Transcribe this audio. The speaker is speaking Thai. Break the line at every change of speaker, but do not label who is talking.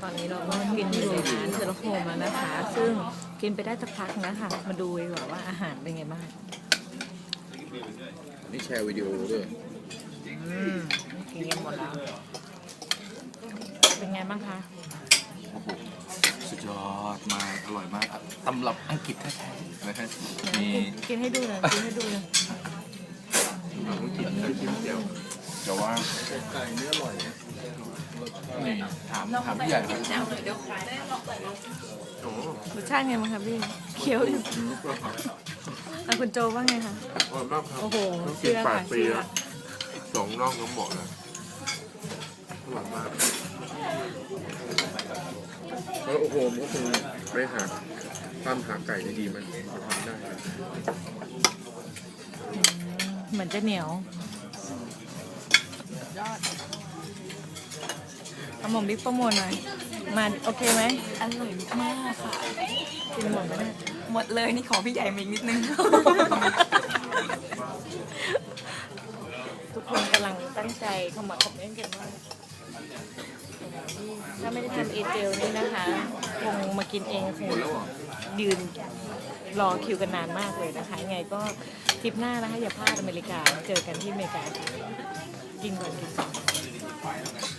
ตอนนี้เราก็กินอยู่ในร้านเซอร์โฮมแล้วนะคะซึ่งกินไปได้สักพักนะคะมาดูดีกว่าว่าอาหารเป็นไงบ้าง
นี่แชร์วิดีโอด้วย
กินกันหมดแล้วเป็นไงบ้างคะ
สุดยอดมากอร่อยมากครับตำรับอังกฤษแท้ๆนะฮะมี
กินให้ดูหน่อยกินให้ดูหน่อย
ต้องกินเคยกินเดียวแต่ว่าไก่เนื้ออร่อยนี่ถามพี่ใหญ่ครับโอ้
รสชาติไงบ้างคะพี่เคี้ยวอยู่คุณโจว่าไงคะ
อร่อยมากครับ
โอ้โห
ต้องกิ
เชื่
น
อ
แป
ค่ะ
ดปี
เชื่อ
แล้วสองน่องน้ำหมดเลยอร่อยมากแล้วโอ้โหมันก็คงไปหาตามหาไก่ดีๆมันทำได้ครับ
เหมือนจะเหนียวเอาหม่อมบิ๊กโปรโมทหน่อยมาโอเคไหม
อร่อยมากค่ะ
กินหมดไหมเนี่ย
หมดเลยนี่ขอพี่ใหญ่มาอีกนิดนึง
ทุกคนกำลังตั้งใจเข้ามาคอมเมนต์กันว่าถ้าไม่ได้ทำเอเจลนี่นะคะ คงมากินเองคงยืนรอคิวกันนานมากเลยนะคะยังไงก็ทริปหน้านะคะอย่าพลาดอเมริกาเจอกันที่อเมริกาค่ะกินก่อนกินก่อน